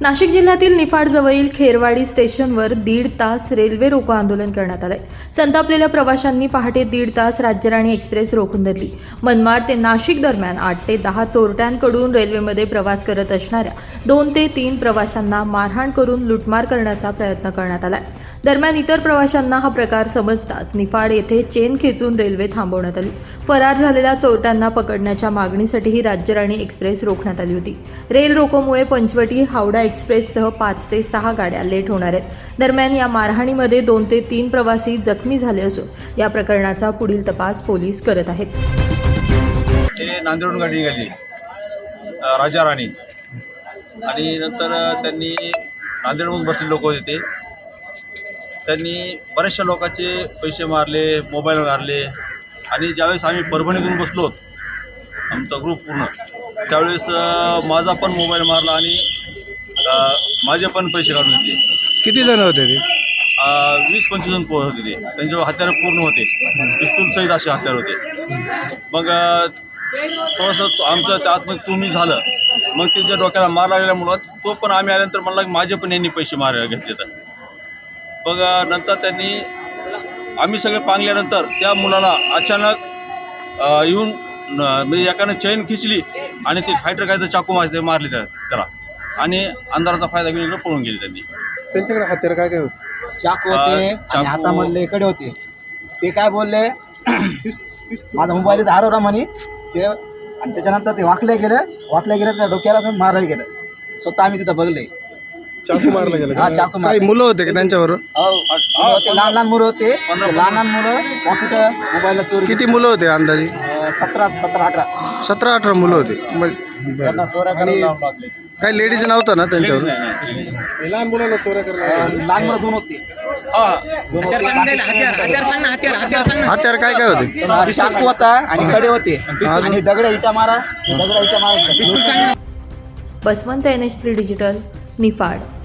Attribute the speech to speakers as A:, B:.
A: नाशिक जिल्ह्यातील निफाडजवळील खेरवाडी स्टेशनवर 1.5 तास रेल्वे रोको आंदोलन करण्यात आले। संतापलेल्या प्रवाशांनी पहाटे 1.5 तास राज्यराणी एक्सप्रेस रोखून धरली। मनमाड ते नाशिक दरम्यान 8 ते 10 चोरट्यांकडून रेल्वेमध्ये प्रवास करत असणाऱ्या 2 ते 3 प्रवाशांना मारहाण करून लुटमार करण्याचा प्रयत्न करण्यात आला। दरम्यान इतर प्रवाशांना हा प्रकार समजताच निफाड येथे चेन खेचून रेल्वे थांबवण्यात आली। फरार झालेल्या चोरट्यांना पकडण्याच्या मागणीसाठी ही राज्यराणी एक्सप्रेस रोखण्यात आली होती। रेल रोकोमुळे पंचवटी हावडा एक्सप्रेससह 5 ते 6 गाड्या लेट होणार आहेत। दरम्यान या मारहाणीमध्ये 2 ते 3 प्रवासी जखमी झाले असून या प्रकरणाचा पुढील तपास पोलीस करत आहेत।
B: ते नांदेडहून गाडी निघाली राजा राणी आणि नंतर त्यांनी नांदेडहून बसलेले लोक होते त्यांनी बऱ्याचशा लोकांचे पैसे मारले, मोबाईल मारले आणि ज्यावेळेस आम्ही परभणीतून बसलो आमचा ग्रुप पूर्ण त्यावेळेस माझा पण मोबाईल मारला आणि माझे पण पैसे काढून घेतले।
C: किती जण होते ते?
B: 20-25 जण होते ते। त्यांच्यावर हत्यारं पूर्ण होते, पिस्तूल सहित असे हत्यार होते। मग थोडंसं आमचं त्यात तुम्ही झालं, मग त्याच्या डोक्याला मार लागल्यामुळं तो पण आम्ही आल्यानंतर म्हणला की माझे पण यांनी पैसे मारायला घेतले। तर मग नंतर त्यांनी आम्ही सगळे पांगल्यानंतर त्या मुलाला अचानक येऊन म्हणजे एकानं चैन खिचली आणि ते फायटर काय तर चाकू मारले त्याला आणि अंधाराचा फायदा घेऊन पळून गेले। त्यांनी
D: त्यांच्याकडे हत्यार काय काय होते?
E: चाकू होते आणि हातामधले कडे होते। ते काय बोलले माझा मोबाईल हरवला म्हणे ते आणि त्याच्यानंतर ते वाकले गेले त्या डोक्याला मारायला गेलं। स्वतः आम्ही तिथं बघले
D: चाकू मारला गेला
E: हा चाकू
C: काही मुलं होते का त्यांच्याबरोबर?
E: लहान मुलं होते। लहान मुलं कॉम्प्युटर मोबाईलला चोरी।
C: किती मुलं होते अंदाजे?
E: 17-18
C: 17-18 मुलं होती। काही लेडीज नव्हतं ना त्यांच्यावर?
D: लहान मुलाला चोऱ्या करायला
E: लहान मुलं 2 होते।
C: हत्यार काय काय होते?
E: चाकू होता आणि कडे होते आणि दगड इटा मारा।
A: Baswant NH3 digital Niphad.